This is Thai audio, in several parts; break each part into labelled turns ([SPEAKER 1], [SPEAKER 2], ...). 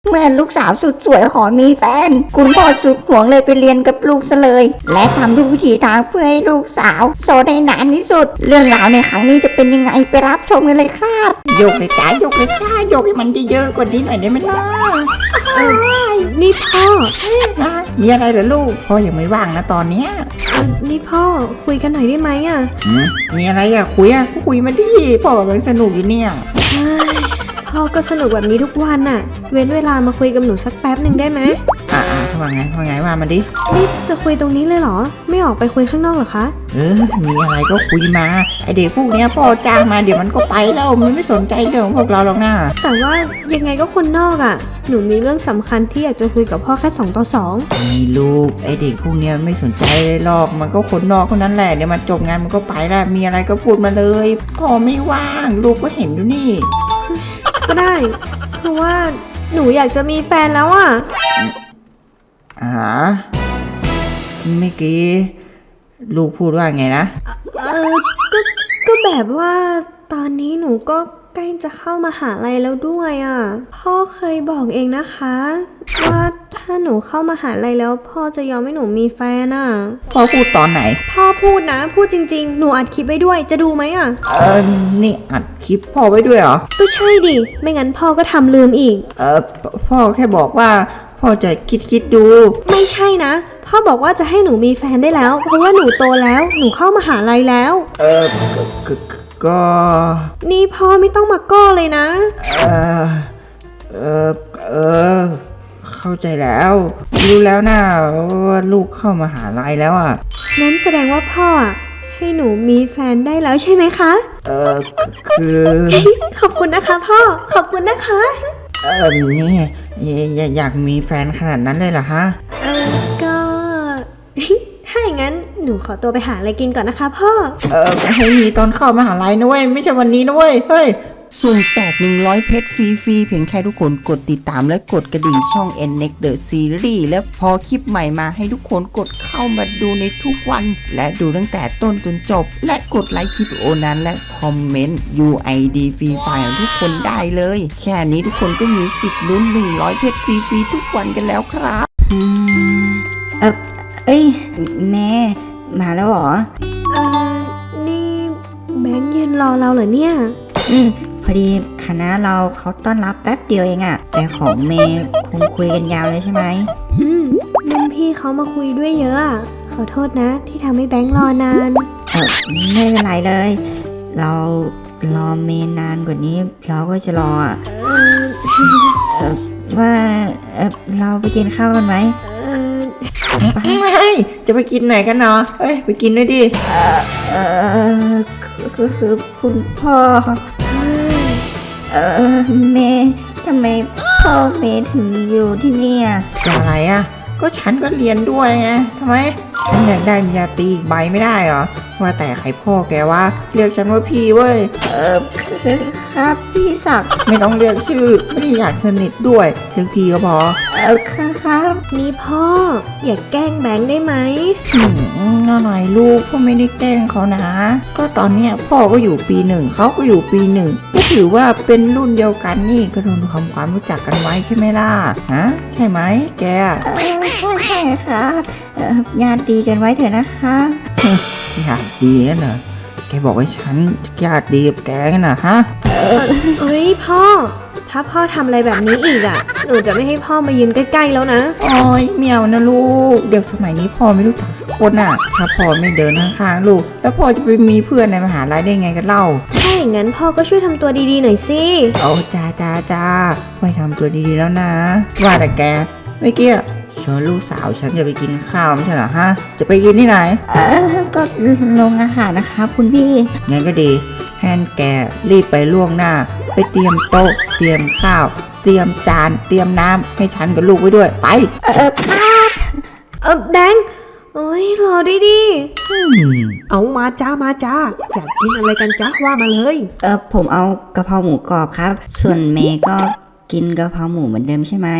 [SPEAKER 1] เมื่อลูกสาวสุดสวยขอมีแฟนคุณพ่อสุดห่วงเลยไปเรียนกับลูกซะเลยและทำทุกวิถีทางเพื่อให้ลูกสาวโสดได้นานที่สุดเรื่องราวในครั้งนี้จะเป็นยังไงไปรับชมกันเลยครับยกเลยจ้ายกเลยจ้ายกให้มันเยอะๆกว่านี้หน่อยได้ไหมล่ะ
[SPEAKER 2] นี่พ่อ
[SPEAKER 1] มีอะไรเหรอลูกพ่อยังไม่ว่างนะตอนเนี้ย
[SPEAKER 2] นี่พ่อคุยกันหน่อยได้ไหม
[SPEAKER 1] มีอะไรคุยก็คุยมาดิพ่อกำลังสนุกอยู่เนี่ย
[SPEAKER 2] พ่อก็สนุกแบบนี้ทุกวันเว้นเวลามาคุยกับหนูสักแป๊บหนึ่งได้ไหม
[SPEAKER 1] ว่าไงว่ามาดิ
[SPEAKER 2] นี่จะคุยตรงนี้เลยเหรอไม่ออกไปคุยข้างนอกเหรอคะ
[SPEAKER 1] มีอะไรก็คุยมาไอเด็กพวกเนี้ยพ่อจ้างมาเดี๋ยวมันก็ไปแล้วมันไม่สนใจเรื่องของพวกเราหรอกนะ
[SPEAKER 2] แต่ว่ายังไงก็คนนอกหนูมีเรื่องสำคัญที่อยากจะคุยกับพ่อแค่2 ต่อ 2
[SPEAKER 1] นี่ลูกไอเด็กพวกเนี้ยไม่สนใจเลยหรอกมันก็คนนอกคนนั้นแหละเดี๋ยวมันจบงานมันก็ไปแล้วมีอะไรก็พูดมาเลยพ่อไม่ว่างลูกก็เห็นอยู่นี่
[SPEAKER 2] ก็ได้คือว่าหนูอยากจะมีแฟนแล้ว
[SPEAKER 1] เมื่อกี้ลูกพูดว่าไงนะ
[SPEAKER 2] ก็แบบว่าตอนนี้หนูก็ใกล้จะเข้ามหาลัยแล้วด้วยพ่อเคยบอกเองนะคะว่าถ้าหนูเข้ามหาลัยแล้วพ่อจะยอมให้หนูมีแฟน
[SPEAKER 1] พ่อพูดตอนไหน
[SPEAKER 2] พ่อพูดนะพูดจริงๆหนูอัดคลิปไว้ด้วยจะดูไหม
[SPEAKER 1] นี่อัดคลิปพ่อไว้ด้วยเหรอ
[SPEAKER 2] ก็ใช่ดิไม่งั้นพ่อก็ทำลืมอีก
[SPEAKER 1] พ่อแค่บอกว่าพ่อจะคิดดู
[SPEAKER 2] ไม่ใช่นะพ่อบอกว่าจะให้หนูมีแฟนได้แล้วเพราะว่าหนูโตแล้วหนูเข้ามหาลัยแล้ว
[SPEAKER 1] ก็
[SPEAKER 2] นี่พ่อไม่ต้องมาก้อเลยนะ
[SPEAKER 1] เข้าใจแล้วรู้แล้วนะว่าลูกเข้ามหาลัยแล้ว
[SPEAKER 2] นั้นแสดงว่าพ่อให้หนูมีแฟนได้แล้วใช่ไหมคะ
[SPEAKER 1] คือ
[SPEAKER 2] ขอบคุณนะคะพ่อขอบคุณนะคะ
[SPEAKER 1] นี่อยากมีแฟนขนาดนั้นเลยเหรอฮะ
[SPEAKER 2] ก็ถ้าอย่างนั้นหนูขอตัวไปหาอะไรกินก่อนนะคะพ่อ
[SPEAKER 1] ให้มีตอนเข้ามหาลัยนะเว้ยไม่ใช่วันนี้นะเว้ยเฮ้ยสุ่มแจก100เพชรฟรีๆเพียงแค่ทุกคนกดติดตามและกดกระดิ่งช่อง NNEXT The Series และพอคลิปใหม่มาให้ทุกคนกดเข้ามาดูในทุกวันและดูตั้งแต่ต้นจนจบและกดไลค์คลิปวิดีโอนั้นและคอมเมนต์ UID ฟรีไฟล์ของทุกคนได้เลยแค่นี้ทุกคนก็มีสิทธิ์ลุ้น100เพชรฟรีๆทุกวันกันแล้วครับแม่มาแล้วเหรอ
[SPEAKER 2] นี่แบงค์ยืนรอเราเหรอเนี่ย
[SPEAKER 1] พอดีคณะเราเขาต้อนรับแป๊บเดียวเองแต่ของเมย์คงคุยกันยาวเลยใช่ไหม
[SPEAKER 2] รุ่นพี่เขามาคุยด้วยเยอะขอโทษนะที่ทำให้แบงค์รอนาน
[SPEAKER 1] ไม่เป็นไรเลยเรารอเมย์นานกว่านี้เราก็จะรอว่าเราไปกินข้าวกันไหมจะไปกินไหนกันเนาะไปกินด้วยดิคือคุณพ่อเมย์ทำไมพ่อเมย์ถึงอยู่ที่นี่ก็อะไรก็ฉันก็เรียนด้วยไงทำไมฉันอยากได้ปริญญาตรีอีกใบไม่ได้เหรอว่าแต่ใครพ่อแกวะเรียกฉันว่าพี่เว้ยครับพี่ศักดิ์ไม่ต้องเรียกชื่อไม่ได้อยากสนิทด้วยเรียกพี่ก็พอครับ
[SPEAKER 2] นี่พ่ออย่าแกล้งแบงค์ได้ไหม
[SPEAKER 1] น่าหน่อยลูกพ่อไม่ได้แกล้งเขานะก็ตอนเนี้ยพ่อก็อยู่ปี 1เขาก็อยู่ปี 1ก็ถือว่าเป็นรุ่นเดียวกันนี่ก็ต้องทำความรู้จักกันไว้ใช่ไหมล่ะใช่ไหมแกใช่ครับญาติดีกันไว้เถอะนะคะญาติดีนั่นเหรอแกบอกว่าฉันญาติดีกับแกกันนะฮะ
[SPEAKER 2] พ่อถ้าพ่อทำอะไรแบบนี้อีกหนูจะไม่ให้พ่อมายืนใกล้ๆแล้วนะ
[SPEAKER 1] โอ้ยเมียวนะลูกเด็กสมัยนี้พ่อไม่รู้จักสักคนถ้าพ่อไม่เดินข้างๆลูกแล้วพ่อจะไปมีเพื่อนในมหาลัยได้ไงกันเล่า
[SPEAKER 2] ถ้าอย่างนั้นพ่อก็ช่วยทำตัวดีๆหน่อยสิ
[SPEAKER 1] โอ้จ้าพ่อทำตัวดีๆแล้วนะว่าแต่แกเมื่อกี้ชวนลูกสาวฉันจะไปกินข้าวไม่ใช่เหรอฮะจะไปกินที่ไหนก็โรงอาหารนะคะคุณพี่งั้นก็ดีแฮนแกรีบไปล่วงหน้าไปเตรียมโต๊ะเตรียมข้าวเตรียมจานเตรียมน้ำให้ฉันกับลูกไว้ด้วยไป
[SPEAKER 2] ครับแบงค์โอ้ยรอด้วยดิ
[SPEAKER 3] เอามาจ้าอยากกินอะไรกันจ้าว่ามาเลย
[SPEAKER 1] ผมเอากะเพราหมูกรอบครับส่วนเมย์ก็กินกะเพราหมูเหมือนเดิมใช่ไหม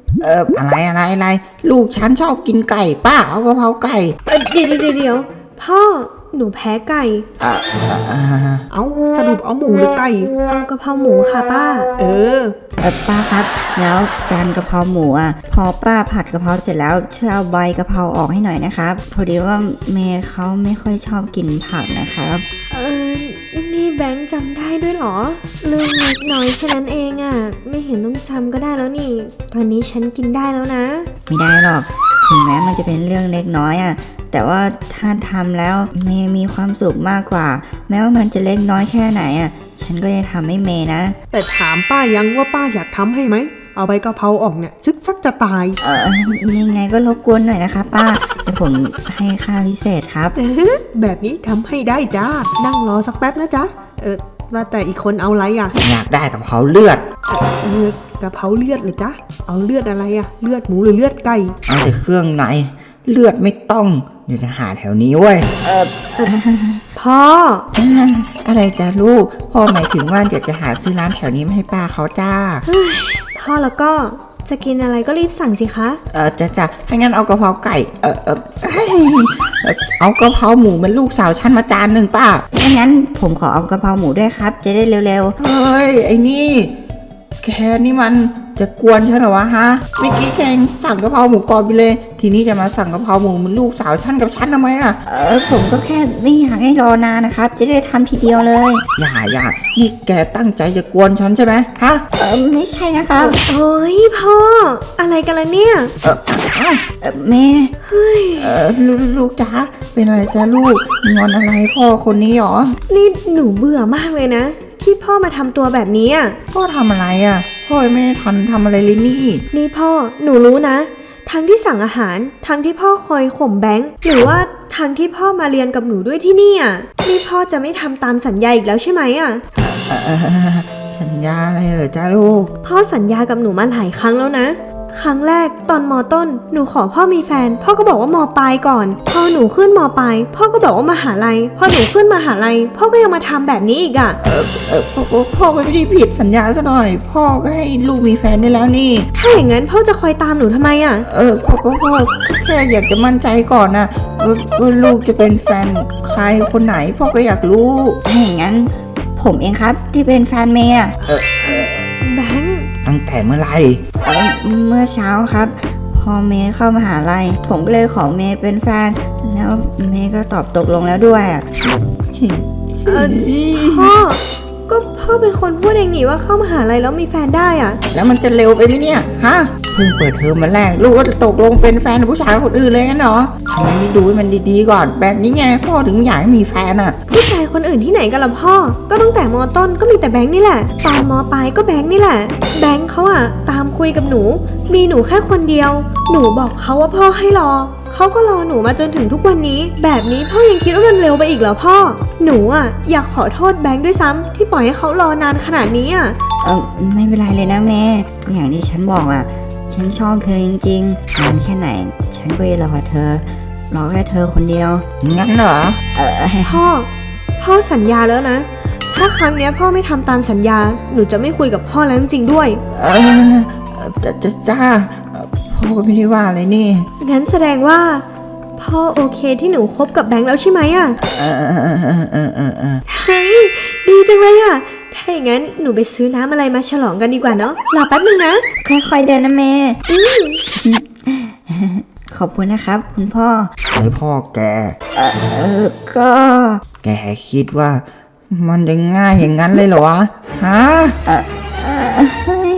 [SPEAKER 1] อะไรลูกฉันชอบกินไก่ป้าเอากะเพราไก่
[SPEAKER 2] เดี๋ยวพ่อหนูแพ้ไก่
[SPEAKER 1] อ่าอ่า
[SPEAKER 3] เอาสรุปเอาหมูหรือไก่
[SPEAKER 2] เอากะเพราหมูค่ะป้า
[SPEAKER 3] เออ
[SPEAKER 1] ป้าครับ แล้วจานกะเพราหมูอ่ะ พอป้าผัดกะเพราเสร็จแล้วช่วยเอาใบกะเพราออกให้หน่อยนะครับ พอดีว่าเมย์เขาไม่ค่อยชอบกินผักนะครับ
[SPEAKER 2] นี่แบงค์จำได้ด้วยเหรอ เรื่องเล็กน้อยแค่นั้นเองอะไม่เห็นต้องจำก็ได้แล้วนี่ ตอนนี้ฉันกินได้แล้วนะ
[SPEAKER 1] ไม่ได้หรอก ถึงแม้มันจะเป็นเรื่องเล็กน้อยอ่ะ แต่ว่าถ้าทำแล้วเมย์มีความสุขมากกว่า แม้ว่ามันจะเล็กน้อยแค่ไหนอ่ะ ฉันก็จะทำให้เมย์นะ
[SPEAKER 3] แต่ถามป้ายังว่าป้าอยากทำให้ไหม เอาใบกะเพราออกเนี่ยซึกซักจะตาย
[SPEAKER 1] ยังไงก็รบกวนหน่อยนะคะป้าเดี๋ยวผมให้ค่าพิเศษครับ
[SPEAKER 3] แบบนี้ทำให้ได้จ้า นั่งรอสักแป๊บนะจ๊ะ ว่าแต่อีกคนเอาอะไรอ่ะ
[SPEAKER 1] อยากได้กับเขาเลือด
[SPEAKER 3] กะเพราเลือดเลยจ๊ะ เอาเลือดอะไรอ่ะ เลือดหมูหรือเลือดไก่
[SPEAKER 1] เอาแต่เครื่องในเลือดไม่ต้อง เดี๋ยวจะหาแถวนี้เว้ย
[SPEAKER 2] พ่อ
[SPEAKER 1] อะไรจ้าลูก พ่อหมายถึงว่าเดี๋ยวจะหาซื้อร้านแถวนี้มาให้ป้าเขาจ้า
[SPEAKER 2] พ่อแล้วก็จะกินอะไรก็รีบสั่งสิคะ
[SPEAKER 1] จ้าให้งั้นเอากะเพราไก่ เฮ้ยเอากะเพราหมูเป็นลูกสาวฉันมาจานหนึ่งป้าถ้างั้นผมขอเอากะเพราหมูด้วยครับ จะได้เร็วๆ เฮ้ย ไอ้นี่ แค่นี่มันจะกวนฉันเหรอวะฮะ เมื่อกี้แกงสั่งกะเพราหมูกรอบไปเลย ทีนี้จะมาสั่งกะเพราหมูเป็นลูกสาวฉันกับฉันทำไมอ่ะ ผมก็แค่ไม่อยากให้รอนานนะครับ จะได้ทำทีเดียวเลย อย่านี่แกตั้งใจจะกวนฉันใช่ไหมฮะ ไม่ใช่นะครับ
[SPEAKER 2] โอ้ยพ่อ อะไรกันล่ะเนี่ย
[SPEAKER 1] แม่ลูกจ๋าเป็นอะไรจ้าลูกงอนอะไรพ่อคนนี้หรอ
[SPEAKER 2] นี่หนูเบื่อมากเลยนะ ที่พ่อมาทำตัวแบบนี้อ่ะ
[SPEAKER 1] พ่อทำอะไรอ่ะพ่อยังไม่ได้ทันทำอะไรเลยนี่
[SPEAKER 2] นี่พ่อหนูรู้นะ ทั้งที่สั่งอาหาร ทั้งที่พ่อคอยข่มแบงค์หรือว่าทั้งที่พ่อมาเรียนกับหนูด้วยที่นี่อ่ะนี่พ่อจะไม่ทำตามสัญญาอีกแล้วใช่ไหมอ่ะ
[SPEAKER 1] สัญญาอะไรเหรอจ้าลูก
[SPEAKER 2] พ่อสัญญากับหนูมาหลายครั้งแล้วนะ ครั้งแรกตอนมต้นหนูขอพ่อมีแฟน พ่อก็บอกว่ามปลายก่อน พอหนูขึ้นมปลายพ่อก็บอกว่ามหาลัย พอหนูขึ้นมหาลัยพ่อก็ยังมาทำแบบนี้อีกอ่ะ
[SPEAKER 1] พ่อก็ไม่ได้ผิดสัญญาซะหน่อย พ่อก็ให้ลูกมีแฟนได้แล้วนี่
[SPEAKER 2] ถ้าอย่างนั้นพ่อจะคอยตามหนูทำไมอ่ะ
[SPEAKER 1] พ่อแค่อยากจะมั่นใจก่อนนะว่าลูกจะเป็นแฟนใครคนไหน พ่อก็อยากรู้ถ้าอย่างนั้น ผมเองครับที่เป็นแฟนเมย์
[SPEAKER 2] แบงค์
[SPEAKER 1] ตั้งแต่เมื่อไหร่เมื่อเช้าครับ พอเมย์เข้ามหาลัยผมก็เลยขอเมย์เป็นแฟน แล้วเมย์ก็ตอบตกลงแล้วด้วย
[SPEAKER 2] พ่อ ก็พ่อเป็นคนพูดเองนี่ว่าเข้ามหาลัยแล้วมีแฟนได้อ่ะ
[SPEAKER 1] แล้วมันจะเร็วไปไหมเนี่ยฮะเพิ่งเปิดเทอมมาแรกลูกก็ตกลงเป็นแฟนกับผู้ชายคนอื่นเลยงั้นเหรอทำไมไม่ดูให้มันดีๆก่อนแบบนี้ไงพ่อถึงอยากให้มีแฟนอ่ะ
[SPEAKER 2] ผู้ชายคนอื่นที่ไหนกันล่ะพ่อ ก็ตั้งแต่มต้นก็มีแต่แบงค์นี่แหละ ตอนมปลายก็แบงค์นี่แหละ แบงค์เขาอะตามคุยกับหนู มีหนูแค่คนเดียว หนูบอกเขาว่าพ่อให้รอ เขาก็รอหนูมาจนถึงทุกวันนี้ แบบนี้พ่อยังคิดว่ามันเร็วไปอีกเหรอพ่อ หนูอะอยากขอโทษแบงค์ด้วยซ้ำที่ปล่อยให้เขารอนานขนาดนี้อะ
[SPEAKER 1] ไม่เป็นไรเลยนะแม่อย่างที่ฉันบอกอ่ะฉันชอบเธอจริงๆนานแค่ไหน ฉันก็จะรอเธอรอแค่เธอคนเดียวงั้นเหรอ
[SPEAKER 2] พ่อสัญญาแล้วนะ ถ้าครั้งเนี้ยพ่อไม่ทำตามสัญญา หนูจะไม่คุยกับพ่อแล้วจริงๆด้วย
[SPEAKER 1] จ้าพ่อก็ไม่ได้ว่าอะไรนี่
[SPEAKER 2] งั้นแสดงว่า พ่อโอเคที่หนูคบกับแบงค์แล้วใช่ไหมอะเฮ้ยดีจังเลยอะถ้าอย่างนั้นหนูไปซื้อน้ำอะไรมาฉลองกันดีกว่าเนาะรอแป๊บนึงนะ
[SPEAKER 1] ค่อยๆเดินนะแม่ ขอบคุณนะครับ คุณพ่อไอพ่อแกก็แกคิดว่ามันจะง่ายอย่างนั้นเลยเหรอวะฮะ